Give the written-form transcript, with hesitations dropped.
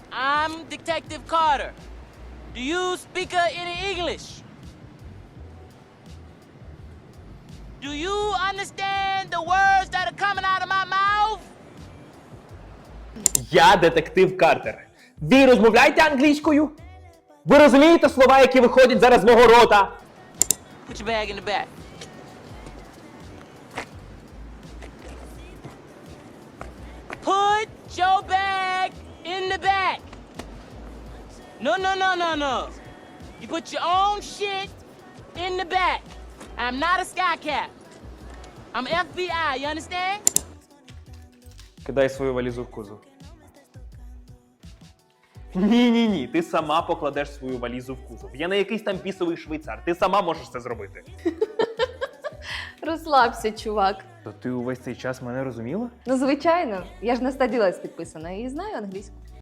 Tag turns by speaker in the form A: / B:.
A: I'm Detective Carter. Do you speak any English? Do you understand the words that are coming out of my mouth?
B: Я детектив Картер. Ви розмовляєте англійською? Ви розумієте слова, які виходять зараз з мого рота?
A: Put your bag in the back. Put your bag in the back. No, no, no, no, no. You put your own shit in the back. I'm not a sky cap. I'm FBI, you understand?
B: Кидай свою валізу в кузов. Ні, ти сама покладеш свою валізу в кузов. Я не якийсь там бісовий швейцар, ти сама можеш це зробити.
C: Розслабся, чувак.
B: То ти увесь цей час мене розуміла?
C: Ну, звичайно, я ж на стаділець підписана і знаю англійську.